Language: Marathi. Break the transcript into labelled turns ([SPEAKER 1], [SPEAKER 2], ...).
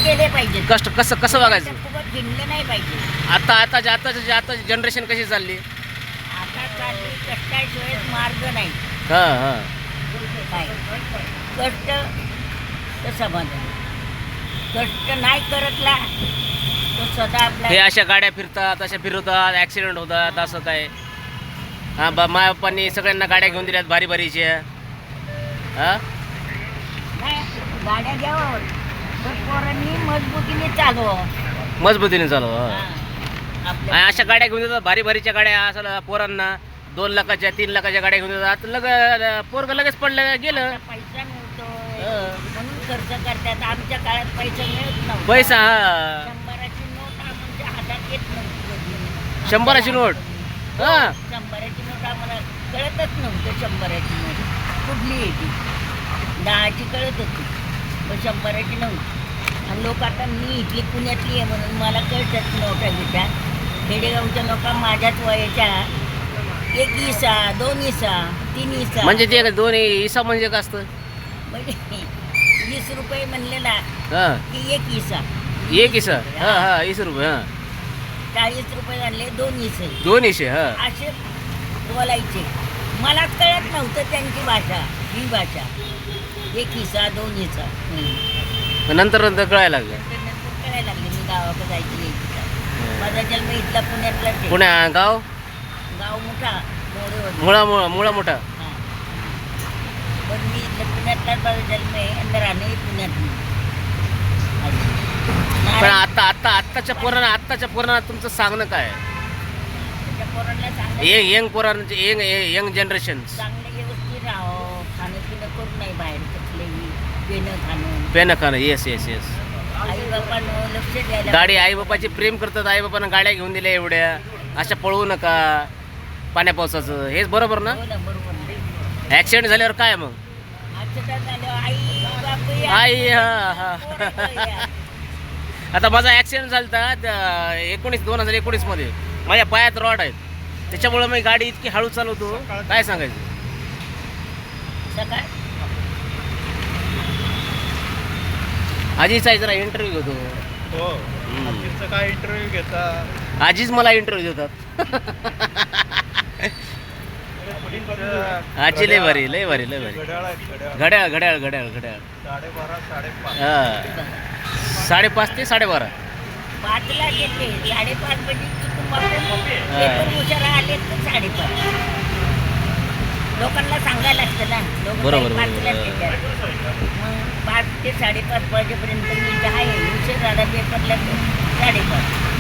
[SPEAKER 1] केले पाहिजे.
[SPEAKER 2] कष्ट कसं कसं वागायचं.
[SPEAKER 1] फुकट गिनलं नाही पाहिजे.
[SPEAKER 2] आता जनरेशन कशी चालली.
[SPEAKER 1] आता चालली कष्टाशिवाय मार्ग नाही.
[SPEAKER 2] हां
[SPEAKER 1] काय कष्ट तर समाधान. कष्ट नाही करतला तो सदा आपला.
[SPEAKER 2] हे अशा गाड्या फिरतात, अशा फिरवतात, ॲक्सिडेंट होतात, असं काय. हां माय बाप्पांनी सगळ्यांना गाड्या घेऊन दिल्यात भारी भारीच्या. हां
[SPEAKER 1] नाही गाड्या घ्यावं पण पोरांनी मजबूतीने चालवावं.
[SPEAKER 2] मजबूतीने चालू.
[SPEAKER 1] आपल्या
[SPEAKER 2] अशा गाड्या घेऊन देतात भारी भारीच्या गाड्या असं पोरांना 2 लाखाच्या 3 लाखाच्या गाड्या घेऊन देतात. पोरग लगेच पडलं गेलं.
[SPEAKER 1] पैसा मिळतोय म्हणून खर्च करतात. आमच्या काळात पैसा मिळत नव्हता.
[SPEAKER 2] पैसा हा
[SPEAKER 1] 100ची नोट आमच्या हातात येत नव्हती.
[SPEAKER 2] 100ची नोट. हां
[SPEAKER 1] 100ची नोट आम्हाला कळतच नव्हतं. 100ची नोट कुठली येते. 10ची कळत होती पण 100ची नव्हती. आणि लोक आता मी इथली पुण्यातली आहे म्हणून मला कळतात नोटा बिटा. खेडेगावच्या लोका माझ्याच वयाच्या 1 इसा 2 इसा 3 इसा
[SPEAKER 2] म्हणजे ते 2 इसा म्हणजे काय असतं.
[SPEAKER 1] म्हणजे 20 रुपये म्हणले ना
[SPEAKER 2] हां
[SPEAKER 1] की 1 इसा.
[SPEAKER 2] 1 इसा. हां 20 रुपये. हां
[SPEAKER 1] 40 रुपये झाले 2 इसे.
[SPEAKER 2] 2 इसे. हां
[SPEAKER 1] असे बोलायचे. मलाच कळत नव्हतं त्यांची भाषा. ही भाषा 1 इसा 2 इसा.
[SPEAKER 2] नंतर कळायला लागलं.
[SPEAKER 1] नंतर कळायला लागले मी गावाकडे जायची यायची. माझा जन्म इथला पुण्यातलाच आहे.
[SPEAKER 2] पुण्या गाव
[SPEAKER 1] गाव मोठा मोरे होते.
[SPEAKER 2] मुळा मोठा.
[SPEAKER 1] हां. पण मी इथलं पुण्यातलाच माझा जन्म आहे आणि राहणे पुण्यात.
[SPEAKER 2] पण आत्ताच्या पोरांना तुमचं सांगणं काय.
[SPEAKER 1] पोरांना
[SPEAKER 2] यंग पोरांचे यंग जनरेशन
[SPEAKER 1] चांगलं व्यवस्थित राहावं. खाणं पिणं करून नाही बाहेर कुठलेही
[SPEAKER 2] पेन खाणं. येस
[SPEAKER 1] आई बापानं लक्ष द्यायला.
[SPEAKER 2] गाडी आई बापाची प्रेम करतात. आई बापांना गाड्या घेऊन दिल्या एवढ्या. अशा पळवू नका पाण्या पावसाचं. हेच बरोबर ना.
[SPEAKER 1] हो ना बरोबर.
[SPEAKER 2] ॲक्सिडेंट झाल्यावर काय मग.
[SPEAKER 1] ऍक्सिडेंट झालं आई बापू या.
[SPEAKER 2] आई हा
[SPEAKER 1] पोरं या.
[SPEAKER 2] आता माझा ॲक्सिडेंट झाला 2019 मध्ये. माझ्या पायात रॉड आहेत. त्याच्यामुळे मी गाडी इतकी हळू चालवतो काय सांगायचं.
[SPEAKER 1] सकाळ
[SPEAKER 2] आजीचा जरा इंटरव्ह्यू घेतो.
[SPEAKER 3] हो आजीचा काय इंटरव्ह्यू घेता.
[SPEAKER 2] आजीच मला इंटरव्ह्यू देतात. आजी लय भारी.
[SPEAKER 3] घड्याळ आहेत घड्याळ.
[SPEAKER 2] घड्याळ
[SPEAKER 3] 12:30
[SPEAKER 2] हां 5:30 ते 12:30.
[SPEAKER 1] 5ला घेते. 5:30 म्हणजे चुकून पेपर हुशार आले तर 5:30. लोकांना सांगायला लागतं ना. लोक
[SPEAKER 2] बरोबर.
[SPEAKER 1] 5ला घेतात. मग 5 ते 5:30 वाजेपर्यंत मी 10 आहे. हुशार झाला पेपरला 5:30.